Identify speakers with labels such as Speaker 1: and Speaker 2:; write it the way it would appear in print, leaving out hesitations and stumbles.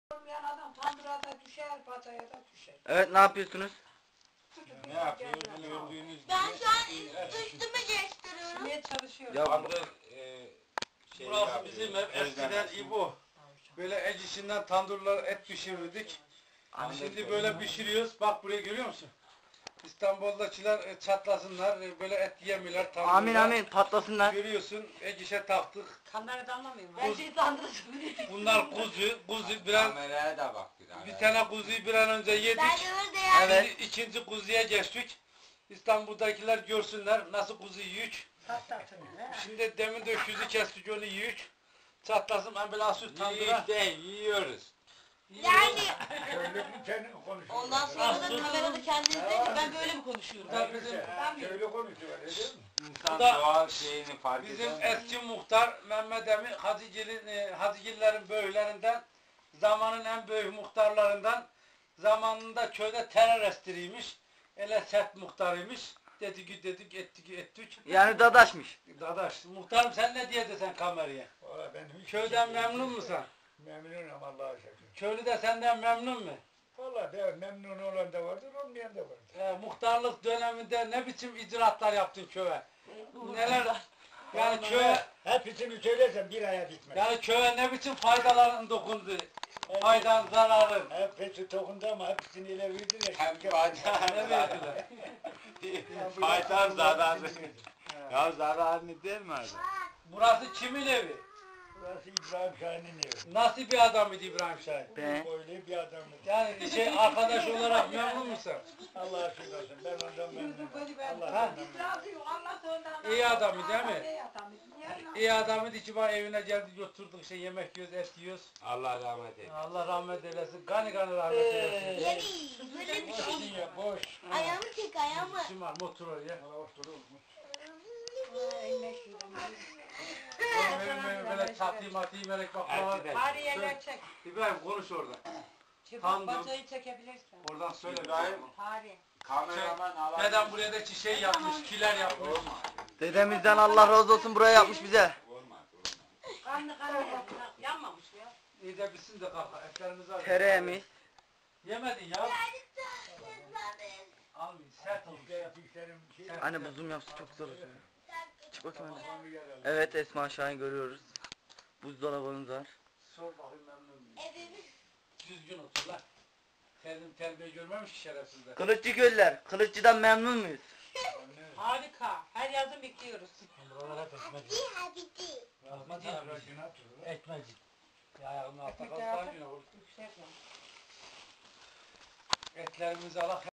Speaker 1: Olmayan adam tandıra da düşer, pataya da düşer.
Speaker 2: Evet, ne yapıyorsunuz?
Speaker 3: Ne yapıyoruz? Gördüğünüz gibi.
Speaker 4: Ben şu an üstümü geçtiriyorum.
Speaker 1: Şimdiye çalışıyor.
Speaker 2: Ya
Speaker 3: Tandır
Speaker 5: Burası
Speaker 3: yapıyor,
Speaker 5: bizim hep eskiden
Speaker 3: özlemez.
Speaker 5: İbo. Böyle el işinden tandırlar et pişirirdik. Şimdi böyle pişiriyoruz. Bak buraya görüyor musun? İstanbul'dakiler çatlasınlar, böyle et yemiyorlar. Tandırlar.
Speaker 2: Amin amin, patlasınlar.
Speaker 5: Görüyorsun, el işe taktık.
Speaker 1: Kamerada anlamıyorum. Ben şeyi tandırıcı.
Speaker 5: Bunlar kuzu bir an,
Speaker 3: Kameraya da bak
Speaker 5: bir tane kuzuyu bir an önce yedik.
Speaker 4: Ben de yani.
Speaker 2: Evet.
Speaker 5: Şimdi ikinci kuzuya geçtik. İstanbul'dakiler görsünler nasıl kuzu yiyük. Şimdi demin de öküzü kestik onu yiyük. Çatlasın ben böyle asıl tandıra.
Speaker 3: Yiyik değil, yiyoruz.
Speaker 4: Yani.
Speaker 1: Ondan sonra da kamerada kendiniz deyin ki ben böyle mi konuşuyorum?
Speaker 5: Da bizim,
Speaker 3: İnsan
Speaker 5: Bu da
Speaker 3: doğal şeyini fark
Speaker 5: bizim
Speaker 3: edemiyor.
Speaker 5: eski muhtar Mehmet Emin Hacıgillerin böylerinden, zamanın en büyük muhtarlarından, zamanında köyde terör estiriymiş. Ele sert muhtarıymış. Dedik ettik.
Speaker 2: Yani dadaşmış.
Speaker 5: Dadaş, muhtarım sen ne diyedin sen kameraya?
Speaker 6: Valla ben hiç
Speaker 5: Köyden memnun musun?
Speaker 6: memnunum Allah'a şükür.
Speaker 5: Köylü de senden memnun mu?
Speaker 6: Valla de memnun olan da vardır, olmayan da vardır.
Speaker 5: Muhtarlık döneminde ne biçim icraatlar yaptın köye? Neler? Yani köye,
Speaker 6: Hepsini söylesem bir aya bitmez.
Speaker 5: yani köye ne biçim faydaların dokundu? Faydan, zararın.
Speaker 6: Hepsi dokundu ama hepsini ele verdiler.
Speaker 3: Hem
Speaker 5: Ne
Speaker 3: faydalı
Speaker 5: verdiler?
Speaker 3: faydalı zararlı. Ya zararını değil mi abi?
Speaker 5: Burası kimin evi?
Speaker 6: Burası İbrahim Şahin'in evi.
Speaker 5: Nasıl bir adam idi İbrahim Şahin?
Speaker 2: Be.
Speaker 6: Böyle bir adamdı.
Speaker 5: Yani arkadaş olarak memnun musun?
Speaker 6: Allah'a şükür olsun. Ben ondan memnunum. Allah
Speaker 5: Ha?
Speaker 6: ondan
Speaker 5: İyi adamı değil mi? İyi adamı ki bana evine geldi oturduk yemek yiyoruz, et yiyoruz.
Speaker 3: Allah rahmet eylesin.
Speaker 5: Allah rahmet eylesin. Gani rahmet eylesin.
Speaker 4: Yani böyle bir şey.
Speaker 6: memnunum. Ya boş.
Speaker 4: Ayağımı çek ayağımı.
Speaker 5: İşim var motor oraya. Böyle çatıyı matıyı melek baklava.
Speaker 3: Erkek.
Speaker 1: Bari yerler çek.
Speaker 5: İbrahim konuş orada.
Speaker 1: Çıkıp batayı çekebilirsin.
Speaker 5: Oradan söyle.
Speaker 3: İbrahim.
Speaker 1: Bari.
Speaker 3: Kameraman alan.
Speaker 5: Neden buraya da şey yapmış, kiler yapmış.
Speaker 2: Dedemizden Allah razı olsun, buraya yapmış bize.
Speaker 3: Olmaz.
Speaker 1: Kanlı kanlı yanmamış ya.
Speaker 5: İyi de bitsin de kalk. Etlerimizi al.
Speaker 2: Tereyağı.
Speaker 5: Yemedin ya. Almayın. Sert olmuş.
Speaker 2: Anne bu zoom yapsa çok güzel olur. Çık bakayım anne. Evet, Esma Şahin görüyoruz. Buzdolabımız var.
Speaker 5: Sor bakayım memnun muyum?
Speaker 4: Evimiz.
Speaker 5: Düzgün otur lan. Kendim terbiye görmemiş ki şerefsizler.
Speaker 2: Kılıççı göller. Kılıççı'dan memnun muyuz?
Speaker 1: Harika. Her yazın bekliyoruz.
Speaker 5: Ekmecik. Ya ayağımın altta kaldı. Etlerimizi alak.